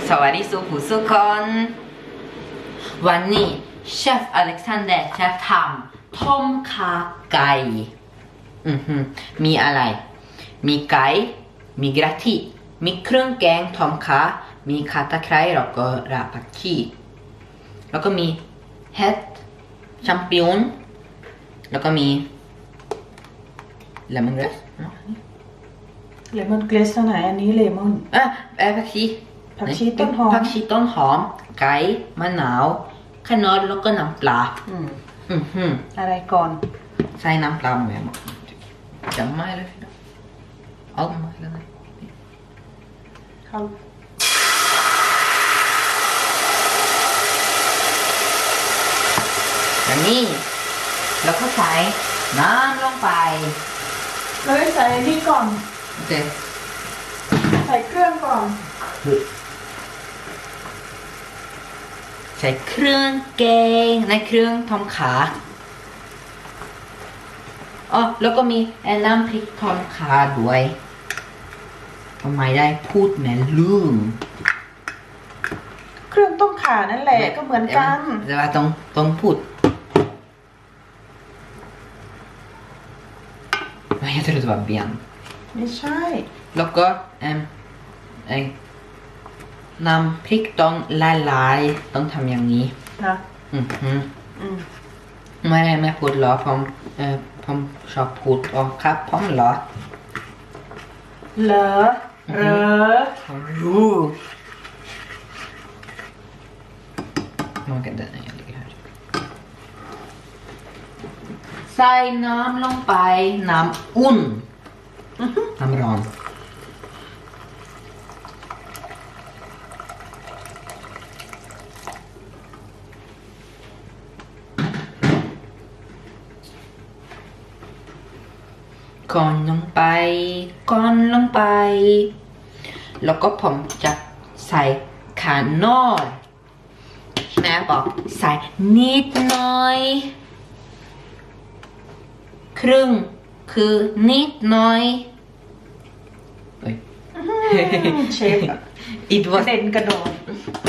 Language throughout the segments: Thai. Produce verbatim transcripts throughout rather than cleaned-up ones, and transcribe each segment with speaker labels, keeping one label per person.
Speaker 1: สวัสดีสุขุสุคนวันนี้เชฟอเล็กซานเดอร์จะทำต้มขาไก่อือหือมีอะไรมีไก่มีกระทิมีเครื่องแกงต้มขามีข่าตะไคร้แล้วก็รากผักชีแล้วก็มีเห็ดแชมปิญอนแล้วก็มีเลมอนกราส
Speaker 2: เลมอนเกรสเท่าไหร่อันนี้เลมอน
Speaker 1: อ่ะเอ่อผักชี
Speaker 2: ผักชีต้นหอม
Speaker 1: ผักชีต้นหอมไก่มะนาวขนมแล้วก็น้ำปลา
Speaker 2: อืม
Speaker 1: อือหือ
Speaker 2: อะไรก่อน
Speaker 1: ใส่น้ำปลาแม่หมดจำไม่เลยนะเอาไม่เลย
Speaker 2: เข้า
Speaker 1: อันนี้แล้วก็ใส่น้ำลงไป
Speaker 2: เลยใส่นี่ก่อน
Speaker 1: โอเค
Speaker 2: ใส่เครื่องก่อน
Speaker 1: ใส่เครื่องแกงในเครื่องทำขาอ๋อแล้วก็มีน้ำพริกทอดขาด้วยทำไมได้พูดแม่ลืม
Speaker 2: เครื่องต้มข่านั่นแหละก็เหมือนกัน
Speaker 1: แต่ว่าต้องต้องพูดไม่ใช่ตัวแบบเบียน
Speaker 2: ไม่ใช่
Speaker 1: แล้วก็เอ็มไอ้น้ำพริกต้องละลายต้องทำอย่างนี้
Speaker 2: นะ
Speaker 1: อือหือ
Speaker 2: อืม
Speaker 1: ไม่ได้ไม่พูดหรอผมเอ่อผมชอบพูดอ๋อครับผมเหรอ
Speaker 2: เหรอเหรอ
Speaker 1: รู้มองกันได้ยังไงใส่น้ำลงไปน้ำอุ่นน้ำร้อนก่อนลงไปก่อนลงไปแล้วก็ผมจะใส่ขานอดแม่บอกใส่นิดหน่อยครึ่งคือนิดหน่อย
Speaker 2: เชฟ
Speaker 1: อิดว่า
Speaker 2: เด่นกระโดด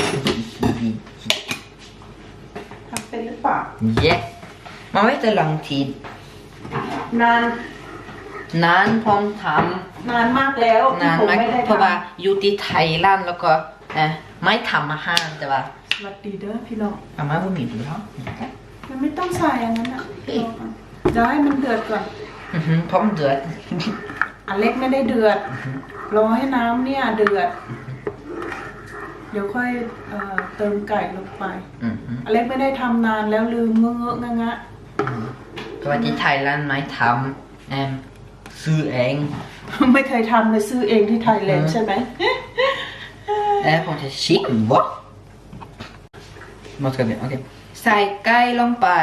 Speaker 2: ทำเป็นหรือเปล่า
Speaker 1: yes มาไว้แต่หลังที
Speaker 2: นาน
Speaker 1: นานพร้อมทำ
Speaker 2: นานมากแล้ว
Speaker 1: นานมากเพราะว่าอยู่ที่ไทยร้านแล้วก็ไม่ทำอาหารแต่ว่า
Speaker 2: สวัสดีเด้อพี่น้อง
Speaker 1: อาม่าบุ๋มดูเขา
Speaker 2: มันไม่ต้องใส่อันนั้นอ่ะจะให้มันเดือดก่อน
Speaker 1: พร้อมเดือด
Speaker 2: อันเล็กไม่ได้เดือดรอให้น้ำเนี่ยเดือดเดี๋ยวค่อยเอ่อเติมไก่ลงไปอันเล็กไม่ได้ทำนานแล้วลืมเงอะงะงะ
Speaker 1: เพราะว่าที่ไทยร้านไม่ทำแอมซื้อเอง
Speaker 2: ไม่เคยทำเลยซื้อเองที่ไทยแลนด์ใช่ไหม
Speaker 1: เอ๊ะผมจะชิควะหมดกันเลยโอเคใส่ไก่ลงไป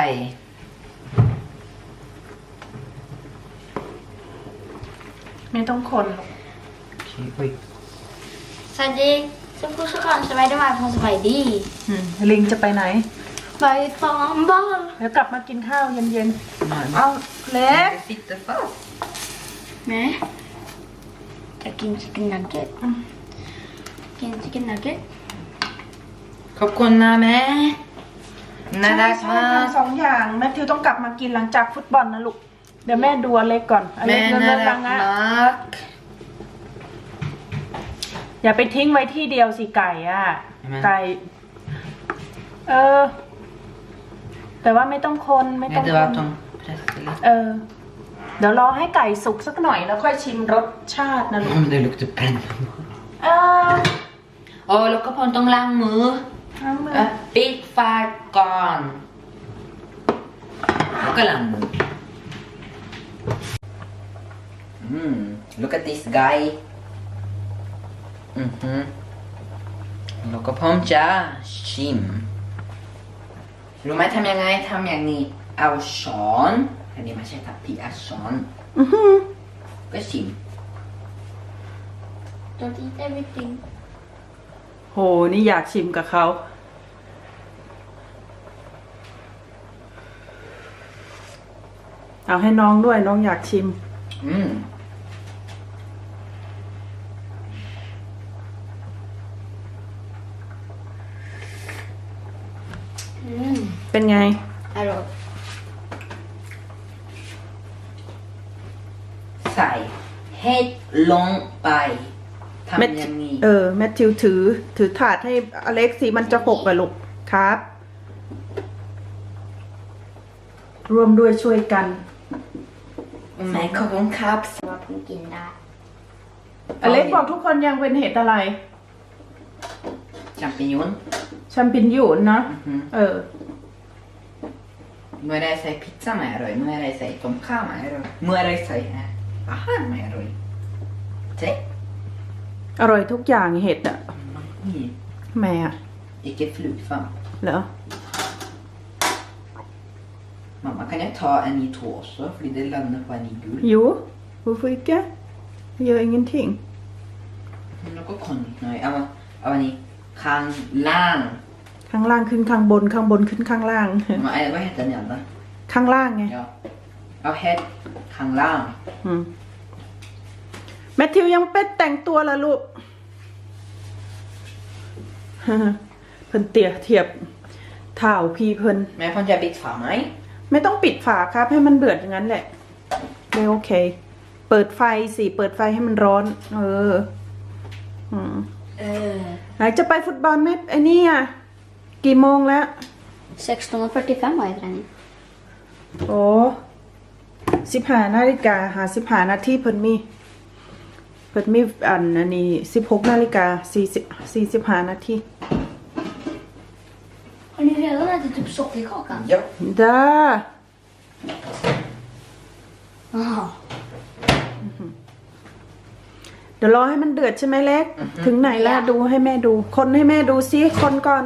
Speaker 2: ไม่ต้องคนหรอก
Speaker 3: สวัสดีสุขุสุขอนสบายดีไหมพงสบายดี
Speaker 2: ลิงจะไปไหน
Speaker 3: ไปซ้อมบอล
Speaker 2: เดี๋ยวกลับมากินข้าวเย็นๆเอาเล็ก
Speaker 3: แม่จะกินชิคกี้นนักเก็ตกินชิคกี้นนักเก็ต
Speaker 1: ขอบคุณนะแม่น่ารักมาก
Speaker 2: ทำสองอย่างแม่ทิวต้องกลับมากินหลังจากฟุตบอลนะลูกเดี๋ยวแม่ดูอเล็กก่อนอเล็กน่ารักมากอย่าไปทิ้งไว้ที่เดียวสิไก่อ่ะไก่เออแต่ว่าไม่ต้องคนไม่ต้องคนเออเดี๋ยวรอให้ไก่สุกสักหน่อยแล้วค่อยชิมรสชาตินะลูก
Speaker 1: เดี๋ยวลูกจะเป็น
Speaker 2: เออ
Speaker 1: โอ้แล้วก็พอต้องล้างมือ
Speaker 2: ล้างมือ
Speaker 1: ปิดฝาก่อนแล้วก็ล้างมืออืม look at this guy อือฮึแล้วก็พร้อมจะชิมรู้ไหมทำยังไงทำอย่างนี้เอาช้อนอันนี้ไม่ใช่ทัพพีเอาช้อน
Speaker 2: อือฮึ
Speaker 1: ก็ชิม
Speaker 3: Don't eat everything
Speaker 2: โหนี่อยากชิมกับเขาเอาให้น้องด้วยน้องอยากชิม
Speaker 1: อืม
Speaker 2: เป็นไง
Speaker 3: อร่อย
Speaker 1: ใส่เห็ดลงไปทำ
Speaker 2: แมท
Speaker 1: อย่างนี้
Speaker 2: เออแมทธิวถือ ถือถาดให้อเล็กซ์สิมันจะหกอะลูกครับ ร่วมด้วยช่วยกัน
Speaker 1: แม่ขอบคุณครับ
Speaker 3: ว่าเพิ่งกินได้
Speaker 2: อเล็กซ์บอกทุกคนยังเป็นเห็ดอะไร
Speaker 1: แชมปิญอน
Speaker 2: แชมปิญญูนเนาะ
Speaker 1: อือฮึ
Speaker 2: เออ
Speaker 1: เมื่อไรใส่พิซซ่าไม่อร่อยเมื่อไรใส่ต้มข้าวไม่อร่อยเมื่อไรใส่อาหารไม่อร่อยเจ๊
Speaker 2: อร่อยทุกอย่างเห็ดอะ
Speaker 1: นี่
Speaker 2: แม่อะ
Speaker 1: ikke flut fram
Speaker 2: เหรอ
Speaker 1: mamma kan jag ta en i tå också för det landar på en i gul
Speaker 2: อยู่ hvorfor ikke gjør ingenting
Speaker 1: något konstigt nejเอาเอาอันนี้ข้างล่าง
Speaker 2: ข้างล่างขึ้นข้างบนข้างบนขึ้นข้างล่าง
Speaker 1: vad är vad heter den andra
Speaker 2: ข้างล่างไง
Speaker 1: ja เอา head ข้างล่าง
Speaker 2: อืมแมทธิวยังเป็นแต่งตัวละลูก เพิ่นเตียเทียบเท้าพี่เพิ่น
Speaker 1: men får jag bit för mig
Speaker 2: ไม่ต้องปิดฝาครับ ให้มันเดือดอย่างนั้นแหละไม่โอเค เปิดไฟสิ เปิดไฟให้มันร้อน เออ อืม
Speaker 3: เออ
Speaker 2: ไหนจะไปฟุตบอลไหมไอ้นี่อ่ะ กี่โมงแล้ว
Speaker 3: sexton och fyrtiofem var jag träning
Speaker 2: โอ้สิบห้านาฬิกาหาสิบห้านาทีเพิ่นมี เพิ่นมีอันอันนี้สิบหกนาฬิกาสี่สิบสี่สิบห้านาที
Speaker 3: Har ni redan ätit typ sockerkakan?
Speaker 1: ja
Speaker 2: จ้า
Speaker 3: Jaha.
Speaker 2: เดี๋ยวรอให้มันเดือดใช่ไหมเล็ก ถึงไหนแล้วดูให้แม่ดู คนให้แม่ดูซิคนก่อน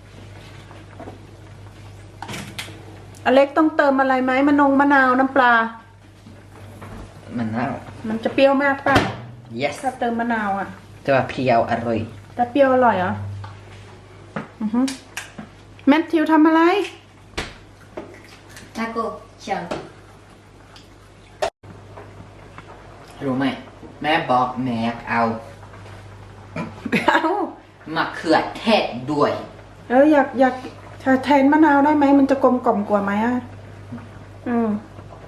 Speaker 2: อเล็กต้องเติมอะไรไหมมะนงมะนาวน้ำปลา
Speaker 1: men now
Speaker 2: มันจะเปรี้ยวมากป่ะ
Speaker 1: yes
Speaker 2: ถ้าเติมมะนาวอ่ะ
Speaker 1: det var priao arroy
Speaker 2: จะเปรี้ยวอร่อยเหรออือฮึแมทธิวทำอะไร
Speaker 3: Taco, kör.
Speaker 1: รู้ไหมแม่บอกแม่เอา
Speaker 2: เอา
Speaker 1: มะเขือเทศด้วย
Speaker 2: เอออยากอยากแทนมะนาวได้ไหมมันจะกลมกล่อมกว่าไหมอ่ะอืม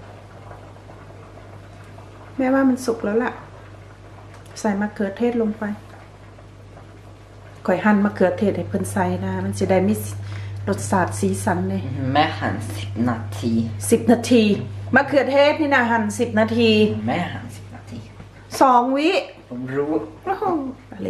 Speaker 2: แม่ว่ามันสุกแล้วล่ะ ใส่มะเขือเทศลงไปก่อยหั่นมะเขือเทศให้เพิ่นใส่นะ มันจะได้มีรสชาติสีสันเลย
Speaker 1: แม่หั่นสิบนาที
Speaker 2: สิบนาทีมะเขือเทศนี่นะหั่นสิบนาที
Speaker 1: แม่หั่นสิบนาที
Speaker 2: สองวิ
Speaker 1: ผมรู้
Speaker 2: โอ้โหอะไร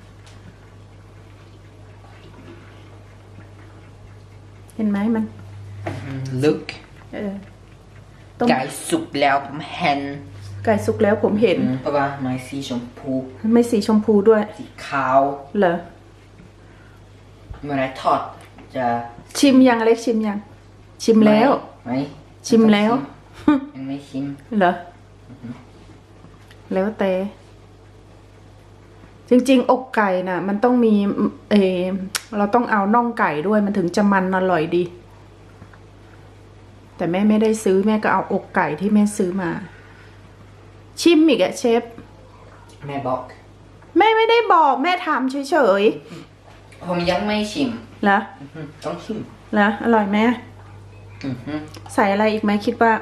Speaker 2: เห็นไหมมัน
Speaker 1: ลึก
Speaker 2: เออต้ม
Speaker 1: ไก่สุกแล้วผมเห็น
Speaker 2: ไก่สุกแล้วผมเห็น
Speaker 1: เพราะว่าไม้สีชมพู
Speaker 2: ไม่สีชมพูด้วย
Speaker 1: สีขาว
Speaker 2: เหรอ
Speaker 1: เมื่อไรทอดจะ
Speaker 2: ชิมยังอเล็กชิมยัง ชิมแล้ว
Speaker 1: ไม่
Speaker 2: ชิมแล้ว
Speaker 1: ยังไม่ชิม
Speaker 2: เหรอ แล้วแต่ จริงๆ อกไก่น่ะ มันต้องมีเออเราต้องเอาน่องไก่ด้วยมันถึงจะมันอร่อยดี แต่แม่ไม่ได้ซื้อแม่ก็เอาอกไก่ที่แม่ซื้อมา ชิมอีกอะเชฟ
Speaker 1: แม่บอก
Speaker 2: แม่ไม่ได้บอกแม่ถามเฉย
Speaker 1: ผมยังไม่ชิม
Speaker 2: ๆเหรอ
Speaker 1: อือฮึต้องชิม
Speaker 2: เหรออร่อยไหม
Speaker 1: อือฮึ
Speaker 2: ใส่อะไรอีกไหมคิดว่า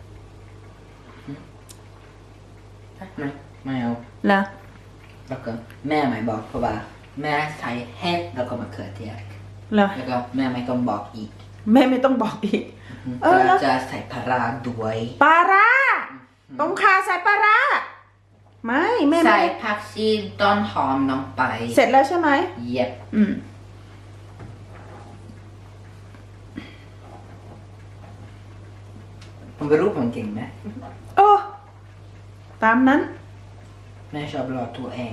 Speaker 1: ไม่ไม่เอา
Speaker 2: เหรอ
Speaker 1: แล้วก็แม่ไม่บอกเพราะว่าแม่ใส่เห็ดแล้วก็มะเขือเทศ
Speaker 2: เหรอ
Speaker 1: แล้วก็แม่ไม่ต้องบอกอีก
Speaker 2: แม่ไม่ต้องบอกอีก เออแล้ว
Speaker 1: จะใส่ปลาร้าด้วย
Speaker 2: ปลาร้าต้มข่าใส่ปลาร้าไม่แม่ไม่
Speaker 1: ใส่
Speaker 2: ได้
Speaker 1: ผักชีต้นหอมลงไป
Speaker 2: เสร็จแล้วใช่ไหม
Speaker 1: เย็บ
Speaker 2: อืม
Speaker 1: ผมไม่รู้ผมเก่งไหม
Speaker 2: โอ้ตามนั้น
Speaker 1: แม่ชอบหลอกตัวเอง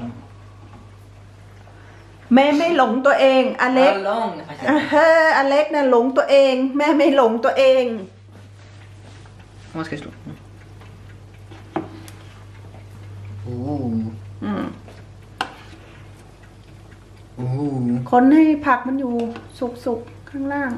Speaker 2: แม่ไม่หลงตัวเองอเล็ก
Speaker 1: าลงนะคะ
Speaker 2: อ่ะเฮ้ออเล็กน่ะหลงตัวเอง แม่ไม่หลงตัวเอง
Speaker 1: Man ska slå. โอ้
Speaker 2: อืม
Speaker 1: โอ้
Speaker 2: คนให้ผักมันอยู่สุกๆข้างล่าง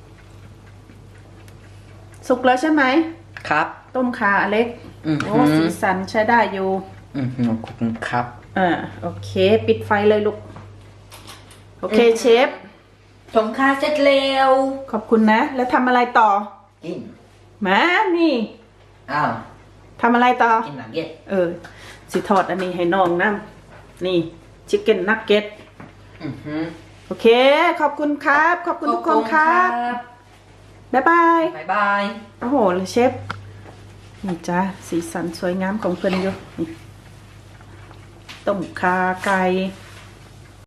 Speaker 2: สุกแล้วใช่ไหม
Speaker 1: ครับ
Speaker 2: ต้มข่าอเล็ก
Speaker 1: อือ
Speaker 2: โอ้
Speaker 1: ฮึ
Speaker 2: สีสันใช้ได้อยู่
Speaker 1: อือฮึขอบคุณครับ
Speaker 2: อ่าโอเค ปิดไฟเลยลูก โอเคเชฟ
Speaker 1: ทงค่าเสร็จแล้ว
Speaker 2: ขอบคุณนะ แล้วทำอะไรต่อ
Speaker 1: กิน
Speaker 2: มานี่
Speaker 1: อ้าว
Speaker 2: ทำอะไรต่อ
Speaker 1: กินนักเก็ต
Speaker 2: เออ สิทอดอันนี้ให้น้องนะนี่ชิคเก้นนักเก็ต
Speaker 1: อือหือ
Speaker 2: โอเค ขอบคุณครับ ขอบคุณทุกคนครับ บ๊ายบาย
Speaker 1: บ๊ายบาย
Speaker 2: โอ้โหเลยเชฟ นี่จ้าสีสันสวยงามของเพื่อนอยู่นี่ต้มขาไก่